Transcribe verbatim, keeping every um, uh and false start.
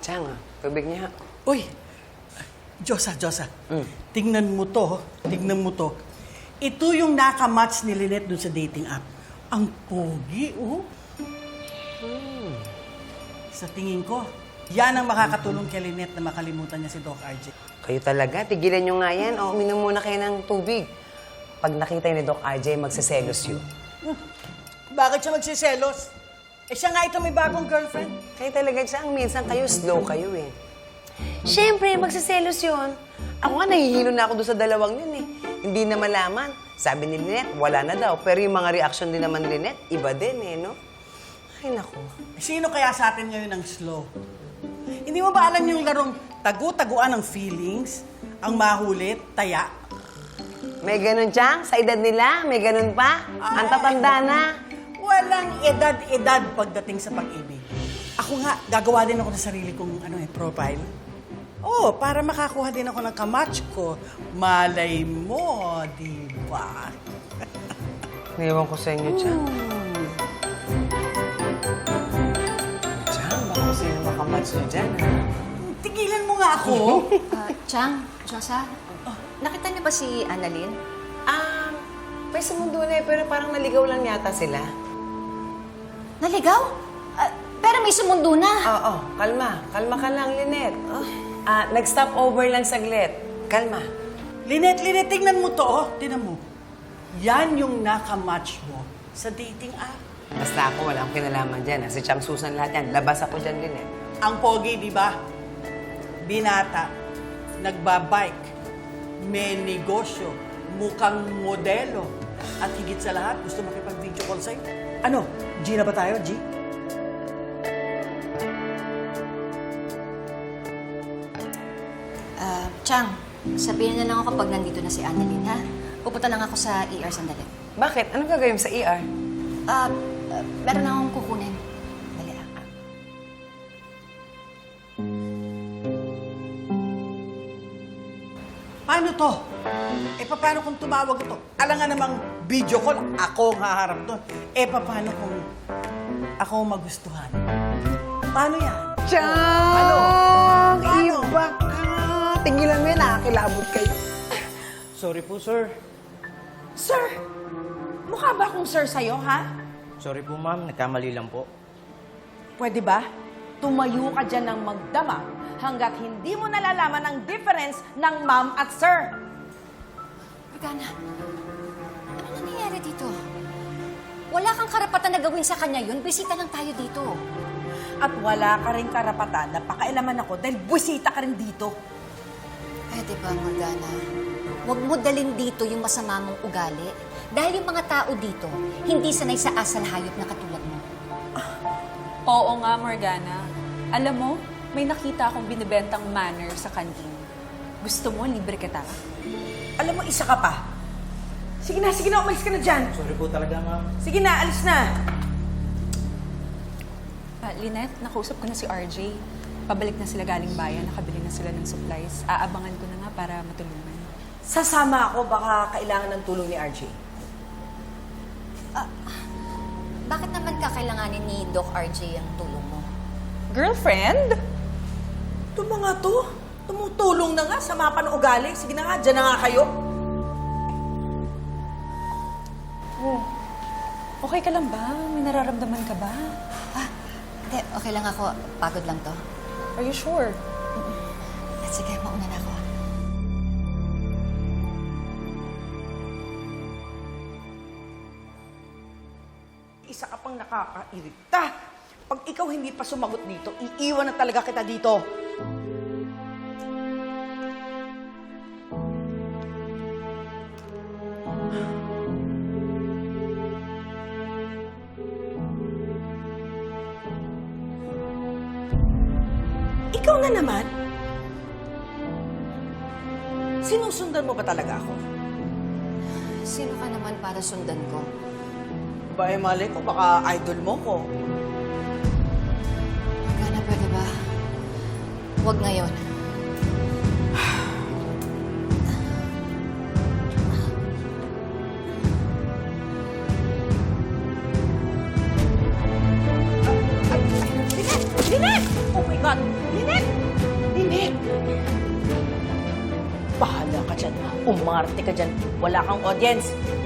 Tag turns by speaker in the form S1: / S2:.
S1: Chang, tubig niya.
S2: Uy! Diyosa, Diyosa.
S1: Mm.
S2: Tingnan mo to. Tingnan mo to. Ito yung nakamatch ni Lynette dun sa dating app. Ang pogi, oh.
S1: Hmm.
S2: Sa tingin ko, yan ang makakatulong kay Lynette na makalimutan niya si Doc R J.
S1: Kayo talaga, tigilan nyo nga yan. O, uminom muna kayo ng tubig. Pag nakita yun ni Doc R J, magsaselos yun.
S2: Bakit siya magsiselos? Eh siya nga ito may bagong girlfriend.
S1: Kayo talaga, Chang, minsan kayo, slow kayo eh. Siyempre, magsaselos yun. Ako nga, nahihilo na ako doon sa dalawang yun eh. Hindi na malaman. Sabi ni Lynette, wala na daw. Pero yung mga reaction din naman ni Lynette, iba din eh, no? Ay, naku.
S2: Sino kaya sa atin ngayon ang slow? Hindi mo ba alam yung larong tagu-taguan ng feelings, ang mahulit, taya?
S1: May ganun, Chang? Sa edad nila, may ganun pa? Ang tatanda na.
S2: Walang edad-edad pagdating sa pag-ibig. Ako nga, gagawa din ako ng sarili kong ano, eh, profile. Oh, para makakuha din ako ng kamatch ko. Malay mo, di ba?
S1: Naiwan ko sa inyo, Chang.
S2: Hmm.
S1: Chang, baka sino makamatch nyo dyan, ha?
S2: Tigilan mo nga ako.
S3: Ah, Chang, Josa, nakita niyo ba si Annalyn?
S1: Ah, may sumundo na eh, pero parang naligaw lang yata sila.
S3: Naligaw? Ah, pero may sumundo na.
S1: Oo, kalma. Kalma ka lang, Lynette. Ah, nag-stop over lang saglit. Kalma.
S2: Lynette, Lynette, tingnan mo to, oh. Tingnan mo. Yan yung nakamatch mo sa dating app.
S1: Basta ako, wala akong kinalaman dyan. Si Chang Susan lahat yan. Labas ako dyan, Lynette.
S2: Ang pogi, di ba? Binata, nagbabike, may negosyo, mukhang modelo, at higit sa lahat, gusto makipag-video call sa'yo. Ano? G na ba tayo, G?
S3: Ah, Chang, sabihin na lang ako pag nandito na si Annalyn, ha? Pupunta lang ako sa E R sandali.
S1: Bakit? Anong gagawin mo sa E R?
S3: Ah, ah, meron na akong kukunin. Dali, ah.
S2: Paano to? Eh, paano kung tumawag ito? Alam nga namang video call, ako ang haharap doon. Eh, paano kung ako ang magustuhan? Paano yan?
S1: Chang!
S2: Ano? Paano?
S1: Iba ka! Tingilan mo yan, nakakilabot kayo.
S2: Sorry po, sir.
S4: Sir! Mukha ba akong sir sa'yo, ha?
S5: Sorry po, ma'am. Nagkamali lang po.
S4: Pwede ba? Tumayo ka dyan ng magdama hanggat hindi mo nalalaman ang difference ng ma'am at sir.
S3: Morgana, ano nangyayari dito? Wala kang karapatan na gawin sa kanya yun. Bisita lang tayo dito.
S4: At wala ka rin karapatan na pakailaman ako dahil buwisita ka rin dito.
S3: Pwede ba, Morgana? Huwag mo dalhin dito yung masama mong ugali. Dahil yung mga tao dito, hindi sanay sa asal hayop na katulad mo.
S6: Oo nga, Morgana. Alam mo, may nakita akong binibentang manner sa kantin. Gusto mo, libre kita?
S4: Alam mo, isa ka pa. Sige na, sige na, umalis ka na dyan.
S5: Sorry po talaga, ma'am.
S4: Sige na, alis na.
S6: Ah, Lynette, nakausap ko na si R J. Pabalik na sila galing bayan, nakabili na sila ng supplies. Aabangan ko na nga para matulungan.
S4: Sasama ako, baka kailangan ng tulong ni R J.
S3: Bakit naman kakailanganin ni Doc R J ang tulong mo?
S6: Girlfriend?
S4: Ito mga to, tumutulong na nga sa mga panuugali. Sige na nga, dyan na nga kayo.
S6: Oh, okay ka lang ba? May nararamdaman ka ba?
S3: Ah, hindi. Okay lang ako. Pagod lang to.
S6: Are you sure?
S3: At sige, mauna na ako.
S4: Isa ka pang nakakairita. Pag ikaw hindi pa sumagot dito, iiwan na talaga kita dito. Ikaw na naman? Sinusundan mo ba talaga ako?
S3: Sino ka naman para sundan ko?
S4: Ba, eh, mali ko, baka idol mo ko.
S3: Morgana, pwede ba? Huwag ngayon.
S4: Lynette! Lynette! Oh my God! Lynette! Linet! Linet! Bahala ka dyan. Umarte ka dyan. Wala kang audience.